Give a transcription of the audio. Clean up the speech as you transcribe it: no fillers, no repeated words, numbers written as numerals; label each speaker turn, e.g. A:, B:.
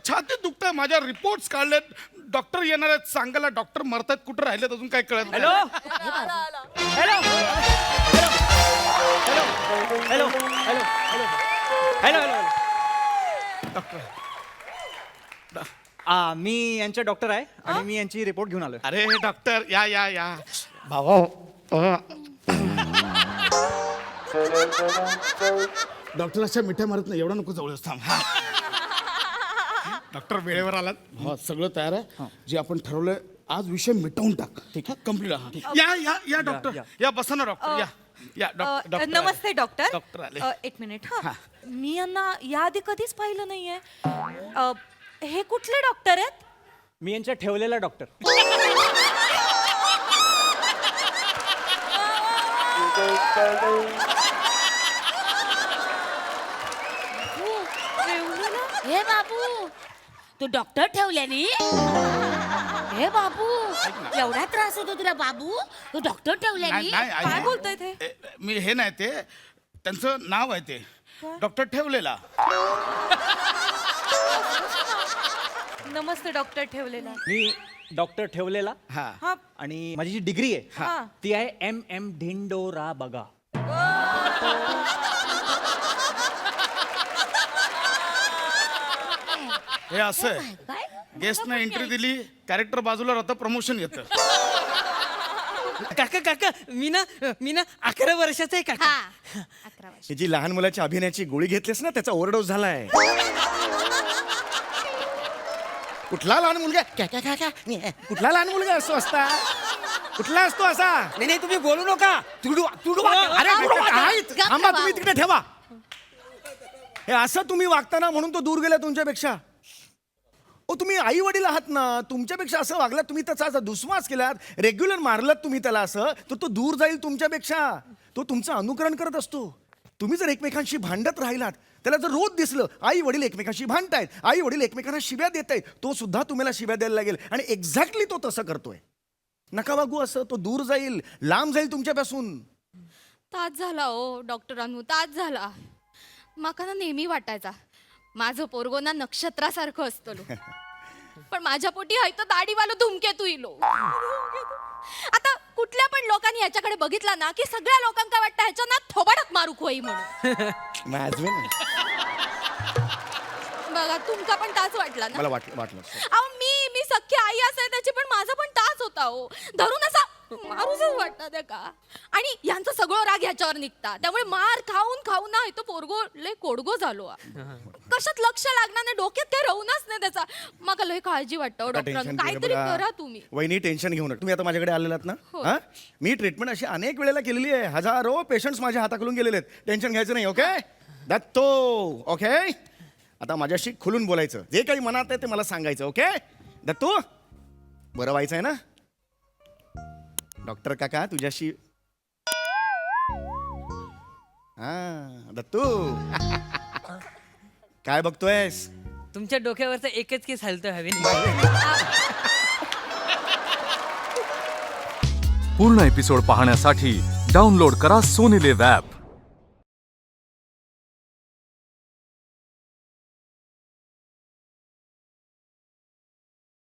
A: छातीत दुखतंय, माझ्या रिपोर्ट्स काढलेत, डॉक्टर येणार आहेत सांगायला, डॉक्टर मरतात, कुठं राहिलेत अजून काय कळत नाही.
B: Hello hello hello hello hello hello
A: doctor
B: मी यांचे डॉक्टर आहे आणि मी यांची रिपोर्ट घेऊन आलोय.
A: अरे डॉक्टर या या या भावा. डॉक्टर अशा मिठ्या मारत नाही, एवढा नको जवळ थांब. डॉक्टर वेळेवर आलात, हो सगळं तयार आहे. जे आपण ठरवलंय आज विषय मिटवून टाक. ठीक आहे, कम्प्लीट. या या या डॉक्टर या, बसा ना डॉक्टर. या या डॉक्टर.
C: नमस्ते डॉक्टर.
A: डॉक्टर आले.
C: एक मिनिट. हा, मी यांना याआधी कधीच पाहिलं नाहीये. हे कुठले डॉक्टर आहेत?
B: मी यांच्या ठेवलेला डॉक्टर.
D: हे बाबू तू डॉक्टर ठेवल्यानी? हे बाबू एवढा त्रास होतो तुला बाबू, तू डॉक्टर ठेवल्यानी?
C: काय बोलताय ते?
A: मी हे नाही, ते त्यांचं नाव आहे, ते डॉक्टर ठेवलेला.
C: नमस्ते डॉक्टर ठेवलेला.
B: मी डॉक्टर ठेवलेला.
A: हा
C: हा,
B: आणि माझी जी डिग्री आहे
C: हा.
B: ती आहे MM ढिंडोरा बघा.
A: हे असं आहे,
D: काय
A: गेस्टनं एंट्री दिली, कॅरेक्टर बाजूला राहतं, प्रमोशन येतं.
E: काका काका मी ना 11 वर्षाचा आहे काका.
D: हा 11 वर्ष.
F: ही जी लहान मुलाच्या अभिनयाची गोळी घेतलीस ना, त्याचा ओव्हरडोस झालाय. कुठला लहान मुलगा कुठला लहान मुलगा असतो असता? कुठला असतो असा?
E: नाही तुम्ही बोलू नका. तुडू
F: अरे काय?
D: गप्प
F: थांबा,
D: बाबू.
F: तुम्ही तिकडे ठेवा. हे असं तुम्ही वागताना म्हणून तो दूर गेला तुमच्यापेक्षा. ओ तुम्ही आई वडील आहात ना, तुमच्यापेक्षा असं वागलात, तुम्ही त्याचा असा दुस्वास केलात, रेग्युलर मारलात तुम्ही त्याला असं, तर तो दूर जाईल तुमच्यापेक्षा. तो तुमचं अनुकरण करत असतो. तुम्ही जर एकमेकांशी भांडत राहिलात, त्याला जर रोज दिसलं आई वडील एकमेकांशी भांडतायत, आई वडील एकमेकांना शिव्या देत आहेत, तो सुद्धा तुम्हाला शिव्या द्यायला लागेल. आणि एक्झॅक्टली तो तसं करतोय. नका वागू असं, तो दूर जाईल, लांब जाईल तुमच्यापासून.
G: तास झाला ओ डॉक्टरांनो, तास झाला. माका ना नेहमी वाटायचा माझं पोरगो ना नक्षत्रासारखं असतलो, पण माझ्या पोटी हाय तर दाढीवालो धुमकेतू इलो. आता कुठल्या पण लोकांनी ह्याच्याकडे बघितला ना की सगळ्या लोकांका वाटतं ह्याच्या ना थोबाडात मारू होई म्हणून. बघा तुमका पण तास वाटला ना?
F: मला वाटलं
G: अहो मी सख्खी आई असेल त्याची, पण माझा पण तास होता हो. धरून असा मारूसच वाटतं त्या का. आणि यांचं सगळं राग ह्याच्यावर निघता, त्यामुळे मार खाऊन ना तो पोरगो लय कोडगो झालो. कशात लक्ष लागणार नाही, डोक्यात काही राहूनच नाही त्याचा. मला लय काळजी वाटतं डॉक्टरांना, काहीतरी करा तुम्ही.
F: वहिनी टेन्शन घेऊ नका. तुम्ही आता माझ्याकडे आलेलात ना, हा? मी ट्रीटमेंट अशी अनेक वेळेला केलेली आहे. हजारो पेशंट्स माझ्या हाताखालून गेलेले आहेत. टेन्शन घ्यायचं नाही. ओके दत्तो. ओके आता माझ्याशी खुलून बोलायचं, जे काही मनात आहे ते मला सांगायचं. ओके दत्तू, बरं व्हायचं आहे ना? डॉक्टर काका तुझ्याशी. हा दत्तू काय बघतोयस?
E: तुमच्या डोक्यावरचा एकच केस हलतोय हवेने.
H: पूर्ण एपिसोड पाहण्यासाठी डाउनलोड करा सोनी लिव्ह ॲप.